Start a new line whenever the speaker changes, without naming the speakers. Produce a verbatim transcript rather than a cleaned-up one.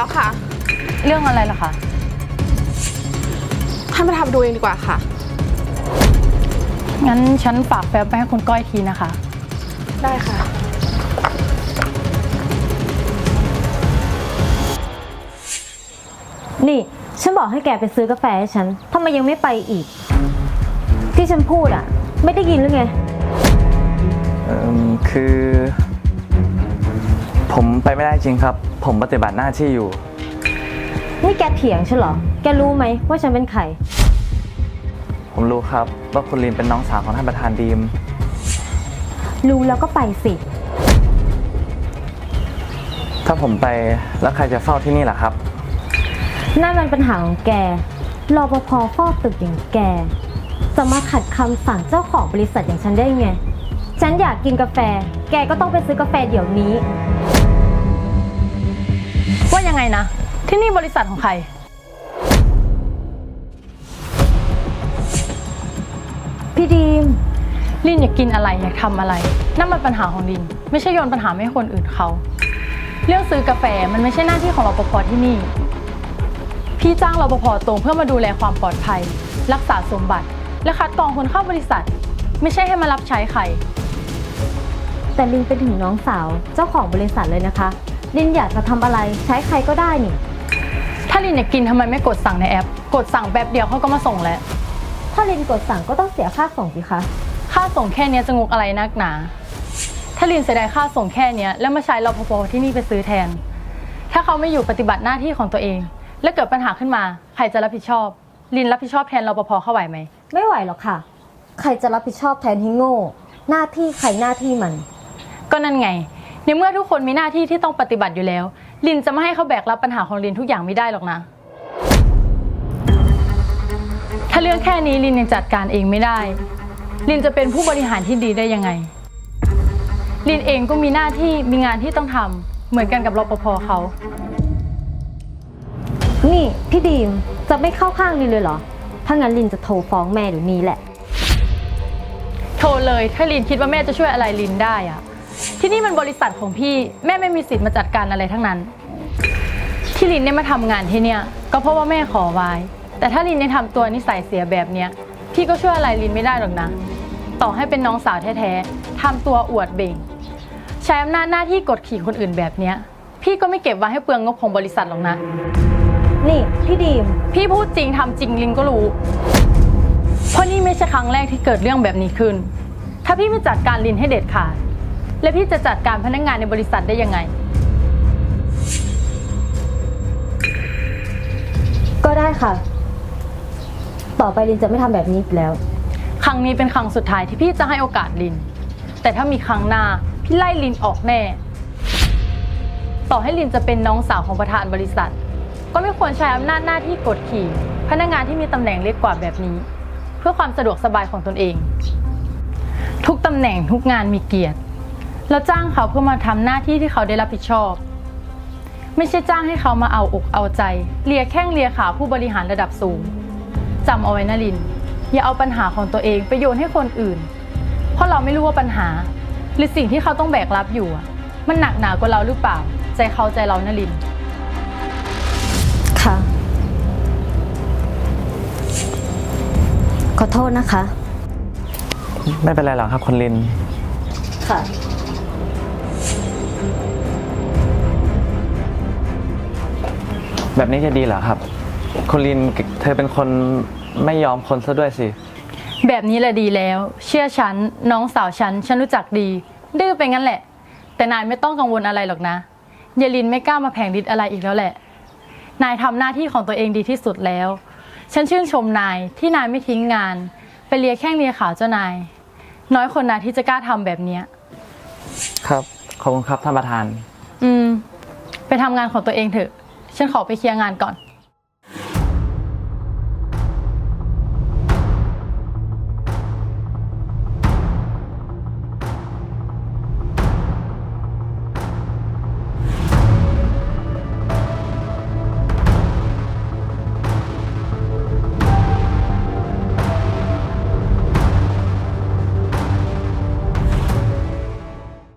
แล้วค่ะ
เรื่องอะไรล่ะคะ
ท่านประธานดูเองดีกว่าค่ะ
งั้นฉันฝากแฟ้มไปให้คุณก้อยทีนะคะ
ได้ค่ะ
นี่ฉันบอกให้แกไปซื้อกาแฟให้ฉันทำไมยังไม่ไปอีกที่ฉันพูดอ่ะไม่ได้ยินหรือไง
เอ่อคือผมไปไม่ได้จริงครับ ผมปฏิบัติหน้าที่อยู่
นี่แกเถียงฉันเหรอแกรู้ไหมว่าฉันเป็นใคร
ผมรู้ครับว่าคุณลินเป็นน้องสาวของท่านประธานดีม
รู้แล้วก็ไปสิ
ถ้าผมไปแล้วใครจะเฝ้าที่นี่ล่ะครับ
นั่นมันปัญหาของแกรปภเฝ้าตึกอย่างแกจะมาขัดคำสั่งเจ้าของบริษัทอย่างฉันได้ไงฉันอยากกินกาแฟแกก็ต้องไปซื้อกาแฟเดี๋ยวนี้
ว่ายังไงนะที่นี่บริษัทของใคร
พี่ดีม
ลินอยากกินอะไรอยากทำอะไรนั่นมันปัญหาของลินไม่ใช่โยนปัญหาให้คนอื่นเขาเรื่องซื้อกาแฟมันไม่ใช่หน้าที่ของรปภที่นี่พี่จ้างรปภตรงเพื่อมาดูแลความปลอดภัยรักษาสมบัติและคัดกรองคนเข้าบริษัทไม่ใช่ให้มารับใช้ใคร
แต่ลินเป็นถึงน้องสาวเจ้าของบริษัทเลยนะคะลินอยากจะทำอะไรใช้ใครก็ได้นี่
ถ้าลินอยากกินทำไมไม่กดสั่งในแอปกดสั่งแป๊บเดียวเขาก็มาส่งแล้ว
ถ้าลินกดสั่งก็ต้องเสียค่าส่งสิคะ
ค่าส่งแค่นี้จะงกอะไรนักหนาถ้าลินเสียดายค่าส่งแค่นี้แล้วมาใช้รปภที่นี่ไปซื้อแทนถ้าเขาไม่อยู่ปฏิบัติหน้าที่ของตัวเองและเกิดปัญหาขึ้นมาใครจะรับผิดชอบลินรับผิดชอบแทนรปภเข้าไหวไหม
ไม่ไหวหรอกค่ะใครจะรับผิดชอบแทนที่โง่หน้าที่ใครหน้าที่มัน
ก็นั่นไงในเมื่อทุกคนมีหน้าที่ที่ต้องปฏิบัติอยู่แล้วลินจะไม่ให้เขาแบกรับปัญหาของลินทุกอย่างไม่ได้หรอกนะถ้าเรื่องแค่นี้ลินยังจัดการเองไม่ได้ลินจะเป็นผู้บริหารที่ดีได้ยังไงลินเองก็มีหน้าที่มีงานที่ต้องทำเหมือนกันกับรปภเขา
นี่พี่ดีมจะไม่เข้าข้างลินเลยเหรอถ้างั้นลินจะโทรฟ้องแม่เดี๋ยวนี้แหละ
โทรเลยถ้าลินคิดว่าแม่จะช่วยอะไรลินได้อะที่นี่มันบริษัทของพี่แม่ไม่มีสิทธิ์มาจัดการอะไรทั้งนั้นที่ลินได้มาทำงานที่เนี่ยก็เพราะว่าแม่ขอไว้แต่ถ้าลินยังทำตัวนิสัยเสียแบบเนี้ยพี่ก็ช่วยอะไรลินไม่ได้หรอกนะต่อให้เป็นน้องสาวแท้ๆทำตัวอวดเบ่งใช้อำนาจหน้าที่กดขี่คนอื่นแบบเนี้ยพี่ก็ไม่เก็บไว้ให้เปลืองงบของบริษัทหรอกนะ
นี่พี่ดีม
พี่พูดจริงทำจริงลินก็รู้เพราะนี่ไม่ใช่ครั้งแรกที่เกิดเรื่องแบบนี้ขึ้นถ้าพี่ไม่จัดการลินให้เด็ดขาดและพี่จะจัดการพนักงานในบริษัทได้ยังไง
ก็ได้ค่ะต่อไปลินจะไม่ทำแบบนี้อีกแล้ว
ครั้งนี้เป็นครั้งสุดท้ายที่พี่จะให้โอกาสลินแต่ถ้ามีครั้งหน้าพี่ไล่ลินออกแน่ต่อให้ลินจะเป็นน้องสาวของประธานบริษัทก็ไม่ควรใช้อำนาจหน้าที่กดขี่พนักงานที่มีตำแหน่งเล็กกว่าแบบนี้เพื่อความสะดวกสบายของตนเองทุกตำแหน่งทุกงานมีเกียรติเราจ้างเขาเพื่อมาทำหน้าที่ที่เขาได้รับผิดชอบไม่ใช่จ้างให้เขามาเอาอกเอาใจเลียแข้งเลียขาผู้บริหารระดับสูงจำเอาไว้นะลินอย่าเอาปัญหาของตัวเองไปโยนให้คนอื่นเพราะเราไม่รู้ว่าปัญหาหรือสิ่งที่เขาต้องแบกรับอยู่มันหนักหนากว่าเราหรือเปล่าใจเขาใจเรานะลิน
ค่ะขอโทษนะคะ
ไม่เป็นไรหรอกครับคุณลิน
ค่ะ
แบบนี้จะดีเหรอครับคุณลินเธอเป็นคนไม่ยอมคนซะด้วยสิ
แบบนี้แหละดีแล้วเชื่อฉันน้องสาวฉันฉันรู้จักดีดื้อไปงั้นแหละแต่นายไม่ต้องกังวลอะไรหรอกนะยายลินไม่กล้ามาแผงฤทธิ์อะไรอีกแล้วแหละนายทำหน้าที่ของตัวเองดีที่สุดแล้วฉันชื่นชมนายที่นายไม่ทิ้งงานไปเลียแข้งเลียขาเจ้านายน้อยคนนะที่จะกล้าทำแบบนี้
ครับขอบคุณครับท่านประธาน
อืมไปทำงานของตัวเองเถอะฉันขอไปเคลียร์งานก่อน